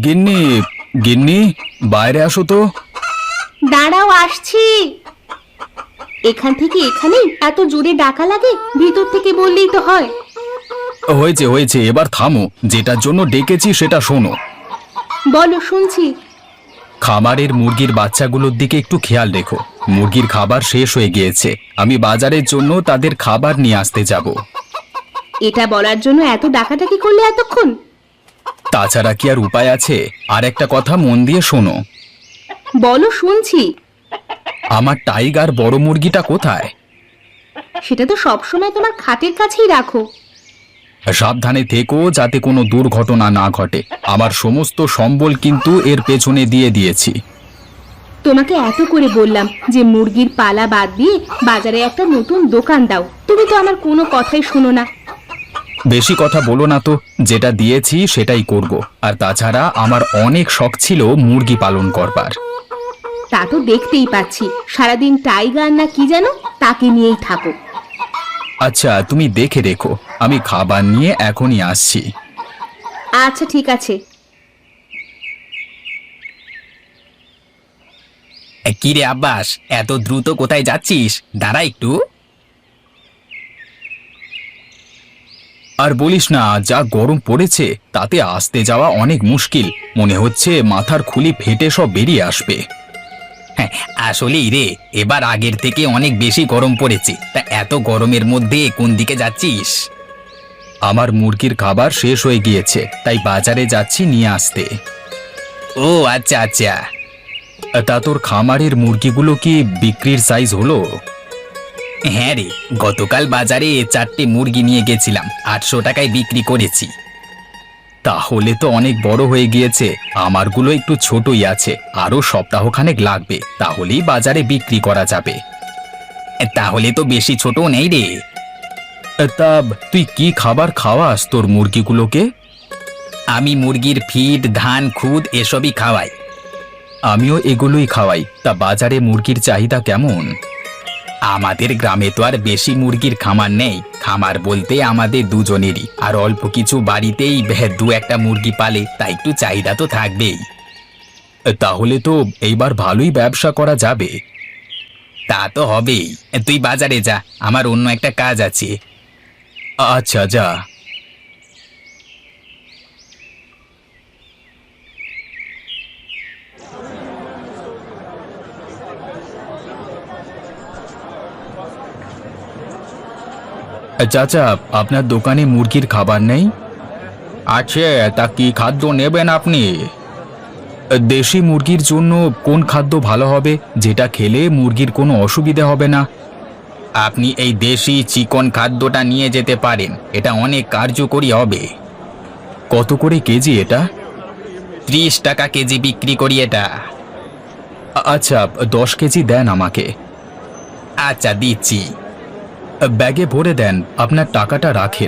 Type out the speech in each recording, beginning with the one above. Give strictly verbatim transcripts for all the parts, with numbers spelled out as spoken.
গিন্নি, গিন্নি, বাইরে আসো তো। দাঁড়াও, আসছি। এখান থেকে এখানে এত জোরে ডাকা লাগে? ভিতর থেকে বললেই তো হয়। হয়েছে হয়েছে, এবার থামো। যেটার জন্য ডেকেছি সেটা শোনো। বলো, শুনছি। খামারের মুরগির বাচ্চাগুলোর দিকে একটু খেয়াল রেখো। মুরগির খাবার শেষ হয়ে গিয়েছে, আমি বাজারের জন্য তাদের খাবার নিয়ে আসতে যাব। এটা বলার জন্য এত ডাকাডাকি করলে এতক্ষণ? তাছাড়া কি আর উপায় আছে? আর একটা কথা মন দিয়ে শোনো। বলো, শুনছি। আমার টাইগার বড় মুরগিটা কোথায়? সেটা তো সবসময় তোমার খাটের কাছেই রাখো। সাবধানে থেকো যাতে কোনো দুর্ঘটনা না ঘটে। আমার সমস্ত সম্বল কিন্তু এর পেছনে দিয়ে দিয়েছি। তোমাকে এত করে বললাম যে মুরগির পালা বাদ দিয়ে বাজারে একটা নতুন দোকান দাও, তুমি তো আমার কোনো কথাই শোনো না। বেশি কথা বলো না তো, যেটা দিয়েছি সেটাই করব। আর তাছাড়া আমার অনেক শখ ছিল মুরগি পালন করবার। তা তো দেখতেই পাচ্ছি, সারাদিন টাইগার না কি যেন তাকে নিয়েই থাকো। আচ্ছা, তুমি দেখে রেখো, আমি খাবার নিয়ে এখনই আসছি। আচ্ছা, ঠিক আছে। কি রে আব্বাস, এত দ্রুত কোথায় যাচ্ছিস? দাঁড়া একটু। আর বলিস না, যা গরম পড়েছে তাতে আসতে যাওয়া অনেক মুশকিল। মনে হচ্ছে মাথার খুলি ফেটে সব বেরিয়ে আসবে। হ্যাঁ, আসলেই রে, এবার আগের থেকে অনেক বেশি গরম পড়েছে। তা এত গরমের মধ্যে কোন দিকে যাচ্ছিস? আমার মুরগির খাবার শেষ হয়ে গিয়েছে, তাই বাজারে যাচ্ছি নিয়ে আসতে। ও আচ্ছা আচ্ছা। তা তোর খামারের মুরগিগুলো কি বিক্রির সাইজ হলো? হ্যাঁ রে, গতকাল বাজারে চারটে মুরগি নিয়ে গেছিলাম, আটশো টাকায় বিক্রি করেছি। তাহলে তো অনেক বড় হয়ে গিয়েছে। আমারগুলো একটু ছোটই আছে, আরো সপ্তাহখানেক লাগবে, তাহলেই বাজারে বিক্রি করা যাবে। তাহলে তো বেশি ছোট নেই রে। তা তুই কি খাবার খাওয়াস তোর মুরগিগুলোকে? আমি মুরগির ফিড, ধান, খুদ এসবই খাওয়াই। আমিও এগুলোই খাওয়াই। তা বাজারে মুরগির চাহিদা কেমন? আমাদের গ্রামে তো আর বেশি মুরগির খামার নেই। খামার বলতে আমাদের দুজনেরই, আর অল্প কিছু বাড়িতেই দু একটা মুরগি পালে, তাই একটু চাহিদা তো থাকবেই। তাহলে তো এইবার ভালোই ব্যবসা করা যাবে। তা তো হবেই। তুই বাজারে যা, আমার অন্য একটা কাজ আছে। আচ্ছা, যা। চাচা, আপনার দোকানে মুরগির খাবার নেই? আছে, তা কি খাদ্য নেবেন আপনি? দেশি মুরগির জন্য কোন খাদ্য ভালো হবে, যেটা খেলে মুরগির কোনো অসুবিধা হবে না? আপনি এই দেশি চিকন খাদ্যটা নিয়ে যেতে পারেন, এটা অনেক কার্যকরী হবে। কত করে কেজি এটা? ত্রিশ টাকা কেজি বিক্রি করি এটা। আচ্ছা, দশ কেজি দেন আমাকে। আচ্ছা, দিচ্ছি। ব্যাগে ভরে দেন, আপনার টাকাটা রাখেন।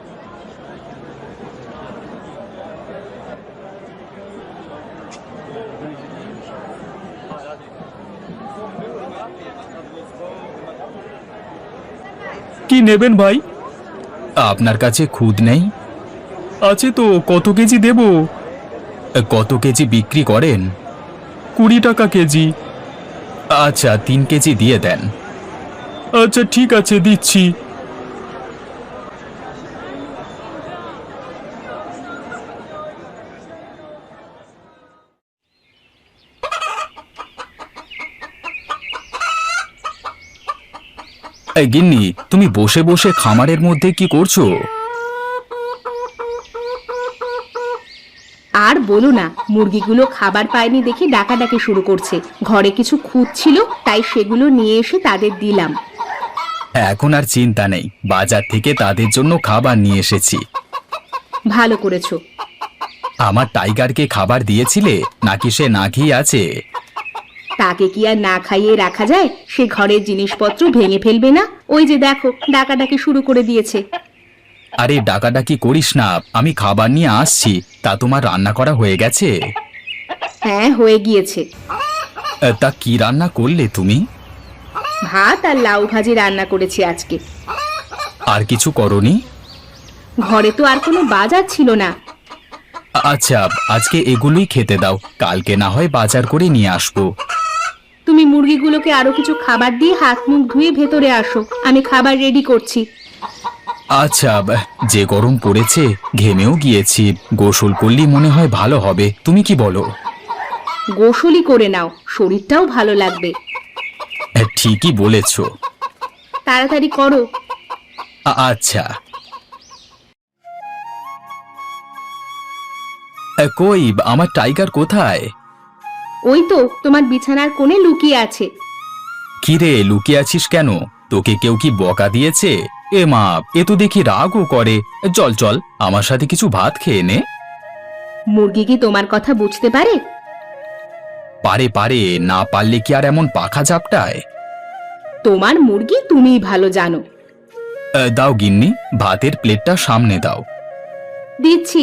কি নেবেন ভাই? আপনার কাছে খুদ নেই? আছে তো, কত কেজি দেব? কত কেজি বিক্রি করেন? কুড়ি টাকা কেজি। আচ্ছা, তিন কেজি দিয়ে দেন। আচ্ছা, ঠিক আছে, দিচ্ছি। এই গিন্নি, তুমি বসে বসে খামারের মধ্যে কি করছো? আর বলো না, মুরগিগুলো খাবার পায়নি দেখে ডাকাডাকি শুরু করছে। ঘরে কিছু খুঁত ছিল, তাই সেগুলো নিয়ে এসে তাদের দিলাম। এখন আর চিন্তা নেই, বাজার থেকে তাদের জন্য খাবার নিয়ে এসেছি। ভালো করেছো। আমার টাইগারকে খাবার দিয়েছিলে নাকি সে না খেয়ে আছে? তাকে কি আর না খাইয়ে রাখা যায়? সে ঘরের জিনিসপত্র ভেঙে ফেলবে না? ওই যে দেখো, ডাকাডাকি শুরু করে দিয়েছে। আরে ডাকাডাকি করিস না, আমি খাবার নিয়ে আসছি। তা তোমার রান্না করা হয়ে গেছে? হ্যাঁ, হয়ে গিয়েছে। তা কি রান্না করলে তুমি? ভাত আর লাউ ভাজি রান্না করেছি আজকে। আর কিছু করনি? ঘরে তো আর কোনো বাজার ছিল না, আ- আচ্ছা, আজকে এগুলোই খেতে দাও, কালকে না হয় বাজার করে নিয়ে আসবো। তুমি মুরগিগুলোকে আরো কিছু খাবার দিয়ে হাত মুখ ধুয়ে ভেতরে আসো, আমি খাবার রেডি করছি। আচ্ছা, ব- যে গরম পড়েছে, ঘেমেও গিয়েছি, গোসল করলেই মনে হয় ভালো হবে, তুমি কি বলো? গোসলই করে নাও, শরীরটাও ভালো লাগবে। হ্যাঁ, ঠিকই বলেছো। তাড়াতাড়ি করো। আ- আচ্ছা। এ, কই আমার টাইগার কোথায়? ওই তো তোমার বিছানার কোণে লুকিয়ে আছে। কিরে, লুকিয়ে আছিস কেন? তোকে কেউ কি বকা দিয়েছে? এ মা, এ তো দেখি রাগও করে। চল চল, আমার সাথে কিছু ভাত খেয়ে নে। মুরগি কি তোমার কথা বুঝতে পারে? পারে পারে, না পারলে কি আর এমন পাখা ঝাপটায়? তোমার মুরগি তুমিই ভালো জানো। এ, দাও গিন্নি, ভাতের প্লেটটা সামনে দাও। দিচ্ছি।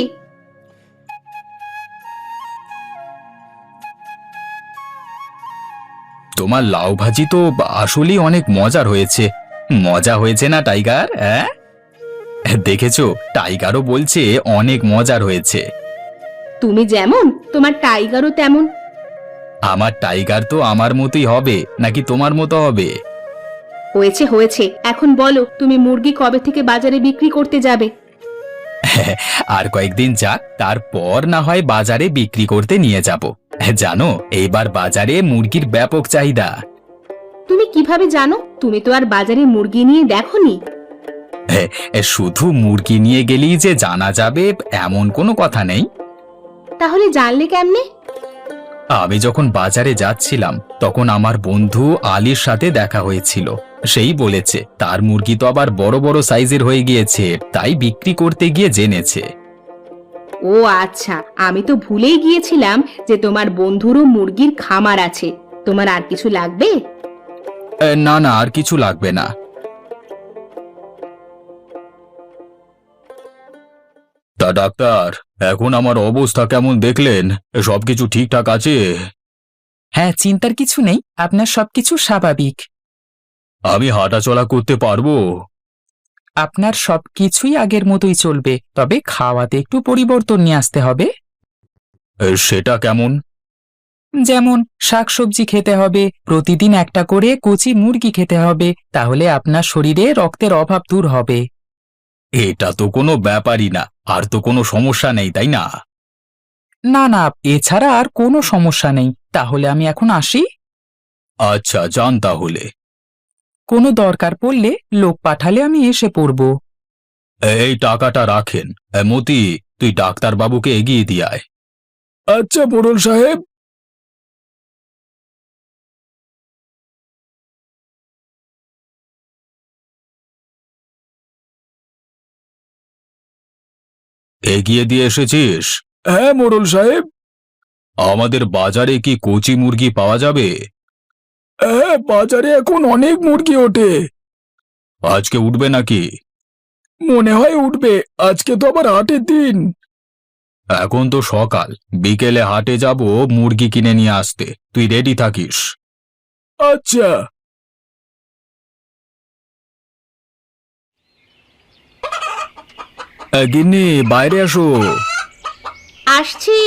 তোমার লাউ ভাজি তো আসলেই অনেক মজার হয়েছে। মজা হয়েছে না টাইগার? হ্যাঁ, দেখেছো, টাইগারও বলছে অনেক মজার হয়েছে। তুমি যেমন তোমার টাইগারও তেমন। আমার টাইগার তো আমার মতোই হবে নাকি তোমার মতো হবে? হয়েছে হয়েছে, এখন বলো তুমি মুরগি কবে থেকে বাজারে বিক্রি করতে যাবে? আর কয়েকদিন যাক, তারপর না হয় বাজারে বিক্রি করতে নিয়ে যাব। জানো, এইবার বাজারে মুরগির ব্যাপক চাহিদা। তুমি কিভাবে জানো? তুমি তো আর বাজারে মুরগি নিয়ে দেখোনি। শুধু মুরগি নিয়ে গেলেই যে জানা যাবে এমন কোনো কথা নেই। তাহলে জানলে কেমনে? আমি যখন বাজারে যাচ্ছিলাম তখন আমার বন্ধু আলীর সাথে দেখা হয়েছিল। সেই বলেছে তার মুরগি তো আবার বড় বড় সাইজের হয়ে গিয়েছে, তাই বিক্রি করতে গিয়ে জেনেছে। ও আচ্ছা, আমি তো ভুলেই গিয়েছিলাম যে তোমার বন্ধুরও মুরগির খামার আছে। তোমার আর কিছু লাগবে? এ, না না, আর কিছু লাগবে না। তা ডাক্তার, এখন আমার অবস্থা কেমন দেখলেন? সবকিছু ঠিকঠাক আছে? হ্যাঁ, চিন্তার কিছু নেই, আপনার সবকিছু স্বাভাবিক। আমি হাঁটাচলা করতে পারবো? আপনার সবকিছুই আগের মতোই চলবে, তবে খাওয়াতে একটু পরিবর্তন নিয়ে আসতে হবে। এ, সেটা কেমন? যেমন শাকসবজি খেতে হবে, প্রতিদিন একটা করে কচি মুরগি খেতে হবে, তাহলে আপনার শরীরে রক্তের অভাব দূর হবে। এটা তো কোনো ব্যাপারই না, আর তো কোনো সমস্যা নেই, তাই না? না না, এছাড়া আর কোনো সমস্যা নেই। তাহলে আমি এখন আসি। আচ্ছা, যান তাহলে। কোনো দরকার পড়লে লোক পাঠালে আমি এসে পড়ব। এই টাকাটা রাখেন। এ, মতি, তুই ডাক্তার বাবুকে এগিয়ে দিয়ে আয়। আচ্ছা মোড়ল সাহেব। এগিয়ে দিয়ে এসেছিস? হ্যাঁ মোড়ল সাহেব। আমাদের বাজারে কি কচি মুরগি পাওয়া যাবে? হ্যাঁ, বাজারে এখন অনেক মুরগি ওঠে। আজকে উঠবে নাকি? মনে হয় উঠবে, আজকে তো আবার হাটের দিন। এখন তো সকাল, বিকেলে হাটে যাব মুরগি কিনে নিয়ে আসতে, তুই রেডি থাকিস। আচ্ছা। এ, গিন্নি, বাইরে আসো। আসছি।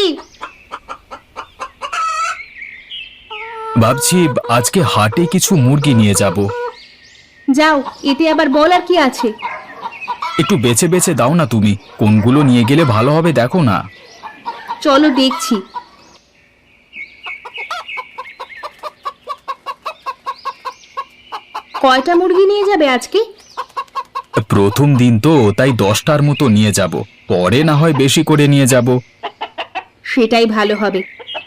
ভাবছি আজকে হাটে কিছু মুরগি নিয়ে যাব। যাও, এতে আবার বলার কি আছে? একটু বেছে বেছে দাও না তুমি, কোনগুলো নিয়ে গেলে ভালো হবে দেখো না। চলো দেখছি। কয়টা মুরগি নিয়ে যাবে আজকে? প্রথম দিন তো, তাই দশটার মতো নিয়ে যাব, পরে না হয় বেশি করে নিয়ে যাব। সেটাই ভালো হবে।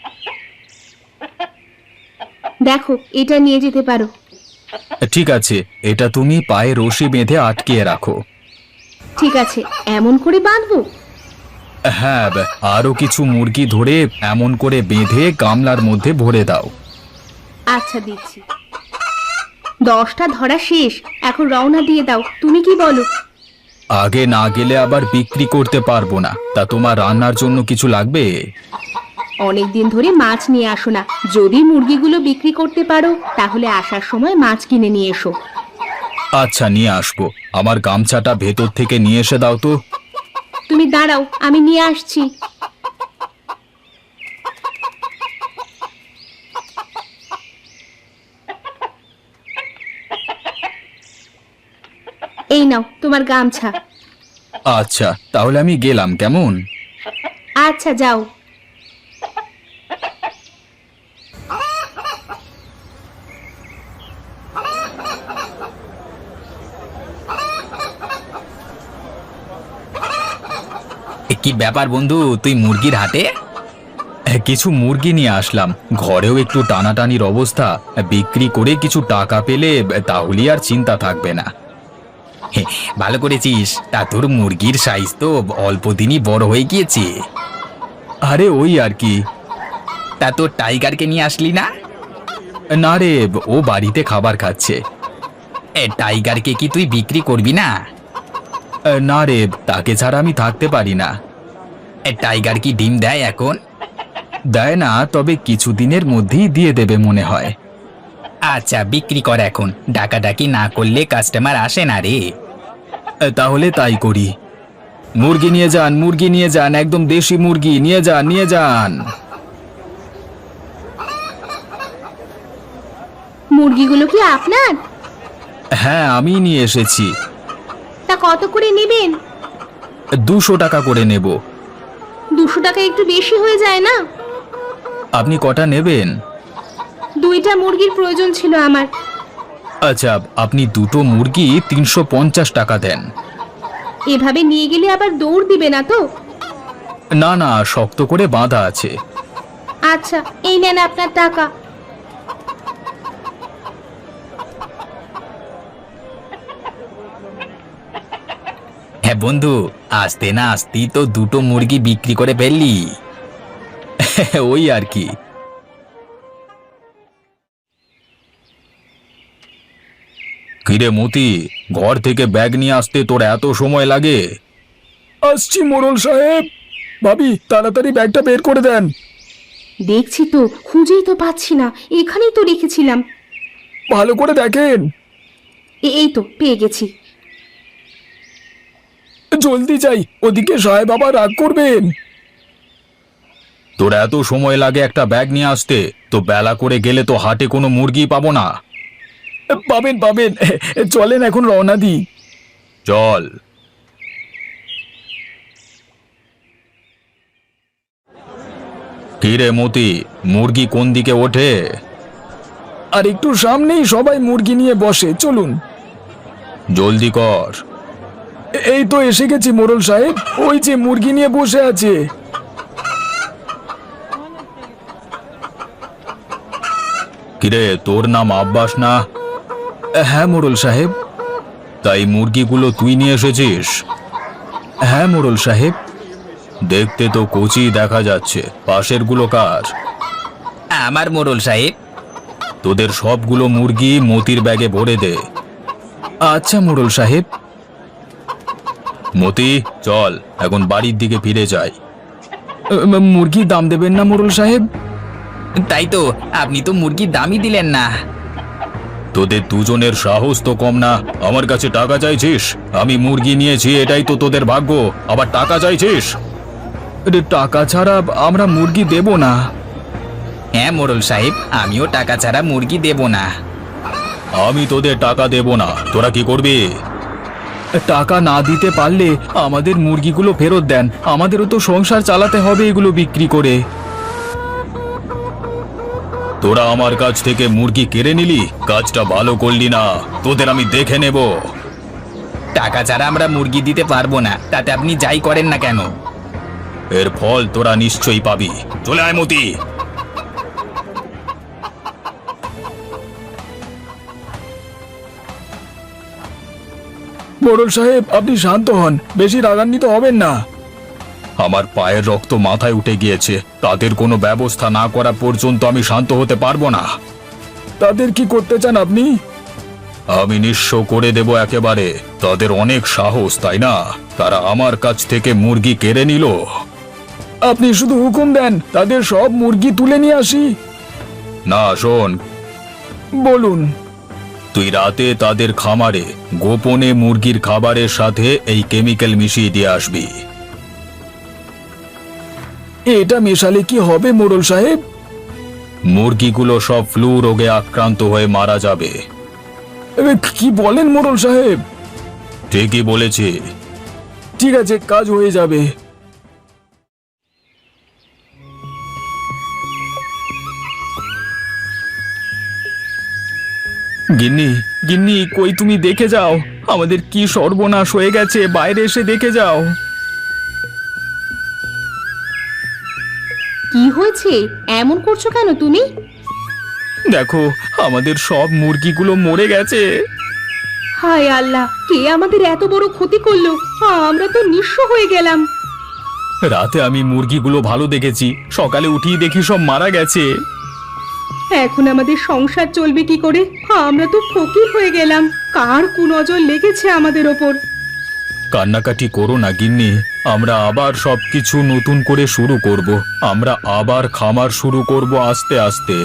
দেখো, এটা নিয়ে যেতে পারো। ঠিক আছে, এটা তুমি পায়ে রশি বেঁধে আটকিয়ে রাখো। ঠিক আছে, এমন করে বাঁধবো? হ্যাঁ, আরো কিছু মুরগি ধরে এমন করে বেঁধে গামলার মধ্যে ভরে দাও। আচ্ছা, দিচ্ছি। দশটা ধরা শেষ, এখন রওনা দিয়ে দাও, তুমি কি বলো? আগে না গেলে আবার বিক্রি করতে পারবো না, তা তোমার রান্নার জন্য কিছু লাগবে? অনেকদিন ধরে মাছ নিয়ে আসো না, যদি মুরগিগুলো বিক্রি করতে পারো তাহলে আসার সময় মাছ কিনে নিয়ে এসো। আচ্ছা, নিয়ে আসবো। আমার গামছাটা ভেতর থেকে নিয়ে এসে দাও তো। তুমি দাঁড়াও, আমি নিয়ে আসছি। এই নাও তোমার গামছা। আচ্ছা, তাহলে আমি গেলাম, কেমন? আচ্ছা, যাও। এ, কি ব্যাপার বন্ধু, তুই মুরগির হাটে? কিছু মুরগি নিয়ে আসলাম, ঘরেও একটু টানাটানির অবস্থা, বিক্রি করে কিছু টাকা পেলে তাহলে আর চিন্তা থাকবে না। হে, ভালো করেছিস। তা তোর মুরগির সাইজ তো অল্প দিনই বড় হয়ে গিয়েছে। আরে ওই আর কি। তা তোর টাইগারকে নিয়ে আসলি না? না রে, ও বাড়িতে খাবার খাচ্ছে। এ, টাইগারকে কি তুই বিক্রি করবি না? না রে, তাকে ছাড়া আমি থাকতে পারি না। এ, টাইগার কি ডিম দেয় এখন? দেয় না, তবে কিছুদিনের মধ্যেই দিয়ে দেবে মনে হয়। আচ্ছা, বিক্রি কর এখন। ডাকাডাকি না করলে কাস্টমার আসে না রে। তাহলে তাই করি। মুরগি নিয়ে যান, মুরগি নিয়ে যান, একদম দেশি মুরগি নিয়ে যান, নিয়ে যান। মুরগিগুলো কি আপনার? হ্যাঁ, আমি নিয়ে এসেছি। তা কত করে নেবেন? দুশো টাকা করে নেব। দুশো টাকা একটু বেশি হয়ে যায় না? আপনি কটা নেবেন? দুইটা মুরগির প্রয়োজন ছিল আমার। আচ্ছা, আপনি দুটো মুরগি তিনশো পঞ্চাশ টাকা দেন। এভাবে নিয়ে গেলে আবার দৌড় দিবে না তো? না না, শক্ত করে বাঁধা আছে। আচ্ছা, এই নেন আপনার টাকা। হ্যাঁ বন্ধু, আসতে না আসতেই তো দুটো মুরগি বিক্রি করে ফেললি। ওই আর কি। কিরে মতি, ঘর থেকে ব্যাগ নিয়ে আসতে তোর এত সময় লাগে? আসছি মোড়ল সাহেব। ভাবি, তাড়াতাড়ি ব্যাগটা বের করে দেন। দেখছি তো, খুঁজেই তো পাচ্ছি না, এখানেই তো রেখেছিলাম। ভালো করে দেখেন। এ- এই তো পেয়ে গেছি। জলদি যাই, ওদিকে সাহেব আবার রাগ করবেন। তোর এত সময় লাগে একটা ব্যাগ নিয়ে আসতে, তো বেলা করে গেলে তো হাটে কোনো মুরগি পাবো না। পাবেন পাবেন, চলেন এখন রওনা দিই। চল। কিরে মতি, মুরগি কোন দিকে ওঠে? আর একটু সামনেই সবাই মুরগি নিয়ে বসে, চলুন। জলদি কর। এই তো এসে গেছি মোড়ল সাহেব, ওই যে মুরগি নিয়ে বসে আছে। কিরে, তোর নাম আব্বাস না? হ্যাঁ মোড়ল সাহেব। তাই মুরগিগুলো তুই নিয়ে এসেছিস? হ্যাঁ মোড়ল সাহেব। দেখতে তো কচি দেখা যাচ্ছে, পাশের গুলো কার? আমার মোড়ল সাহেব। তোদের সবগুলো মুরগি মতির ব্যাগে ভরে দে। আচ্ছা মোড়ল সাহেব। মতি, চল এখন বাড়ির দিকে ফিরে যাই। মুরগির দাম দেবেন না মোড়ল সাহেব? তাই তো, আপনি তো মুরগির দামই দিলেন না। তোদের দুজনের সাহস তো কম না, আমার কাছে টাকা চাইছিস? আমি মুরগি নিয়েছি, এটাই তো তোদের ভাগ্য, আবার টাকা চাইছিস? টাকা ছাড়া আমরা মুরগি দেব না। হ্যাঁ মোড়ল সাহেব, আমিও টাকা ছাড়া মুরগি দেব না। আমি তোদের টাকা দেব না, তোরা কি করবি? টাকা না দিতে পারলে আমাদের মুরগিগুলো ফেরত দেন, আমাদেরও তো সংসার চালাতে হবে এগুলো বিক্রি করে। তোরা আমার কাছ থেকে মুরগি কেড়ে নিলি, কাজটা ভালো করলি না, তোদের আমি দেখে নেব। টাকা ছাড়া আমরা মুরগি দিতে পারবো না, তাতে আপনি যাই করেন না কেন। এর ফল তোরা নিশ্চয়ই পাবি। চলে আয় মতি। মোড়ল সাহেব, আপনি শান্ত হন, বেশি রাগান্বিত হবেন না। আমার পায়ের রক্ত মাথায় উঠে গিয়েছে, তাদের কোনো ব্যবস্থা না করা পর্যন্ত আমি শান্ত হতে পারবো না। তাদের কি করতে চান আপনি? আমি নিঃস্ব করে দেব একেবারে। তাদের অনেক সাহস, তাই না? তারা আমার কাছ থেকে মুরগি কেড়ে নিল। আপনি শুধু হুকুম দেন, তাদের সব মুরগি তুলে নিয়ে আসি। না, শোন। বলুন। তুই রাতে তাদের খামারে গোপনে মুরগির খাবারের সাথে এই কেমিক্যাল মিশিয়ে দিয়ে আসবি। এটা মেশালে কি হবে মোড়ল সাহেব? মুরগিগুলো সব ফ্লু রোগে আক্রান্ত হয়ে মারা যাবে। কি বলেন মোড়ল সাহেব? ঠিকই বলেছে। ঠিক আছে, কাজ হয়ে যাবে। গিন্নি, গিন্নি, কই তুমি দেখে যাও, আমাদের কি সর্বনাশ হয়ে গেছে, বাইরে এসে দেখে যাও। কি হয়েছে? এমন করছো কেন তুমি? দেখো, আমাদের সব মুরগিগুলো মরে গেছে। হায় আল্লাহ, কে আমাদের এত বড় ক্ষতি করলো? আমরা তো নিঃস্ব হয়ে গেলাম। রাতে আমি মুরগিগুলো ভালো দেখেছি, সকালে উঠিয়ে দেখি সব মারা গেছে। এখন আমাদের সংসার চলবে কি করে? আমরা তো ফকির হয়ে গেলাম। কার কুনজর লেগেছে আমাদের ওপর? কান্নাকাটি করো না গিন্নি, আমরা আবার সবকিছু নতুন করে শুরু করব। আমরা আবার খামার শুরু করব আস্তে আস্তে।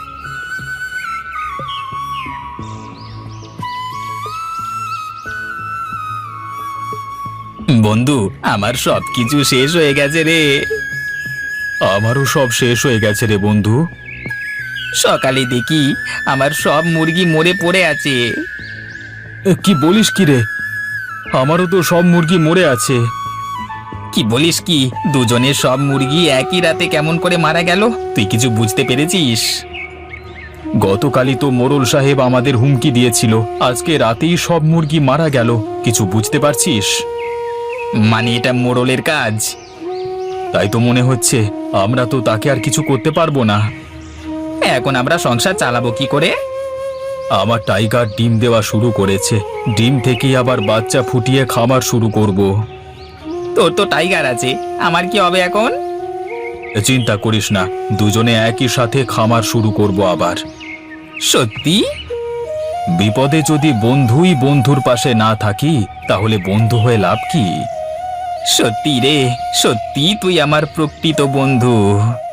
বন্ধু, আমার সব কিছু শেষ হয়ে গেছে রে। আমারও সব শেষ হয়ে গেছে রে বন্ধু। সকালে দেখি আমার সব মুরগি মরে পড়ে আছে। এ, কি বলিস কি রে? আমারও তো সব মুরগি মরে আছে। কি বলিস কি? দুজনের সব মুরগি একই রাতে কেমন করে মারা গেল? তুই কিছু বুঝতে পেরেছিস? গতকালই তো মোড়ল সাহেব আমাদের হুমকি দিয়েছিল, আজকে রাতেই সব মুরগি মারা গেল। কিছু বুঝতে পারছিস? মানে এটা মোড়লের কাজ? তাই তো মনে হচ্ছে। আমরা তো তাকে আর কিছু করতে পারবো না। এখন আমরা সংসার চালাবো কি করে? আমার টাইগার ডিম দেওয়া শুরু করেছে, ডিম থেকেই আবার বাচ্চা ফুটিয়ে খামার শুরু করব। তোর তো টাইগার আছে, আমার কি হবে এখন? চিন্তা করিস না, দুজনে একই সাথে খামার শুরু করব আবার। সত্যি? বিপদে যদি বন্ধুই বন্ধুর পাশে না থাকি, তাহলে বন্ধু হয়ে লাভ কি? সত্যি রে, সত্যি তুই আমার প্রকৃত বন্ধু।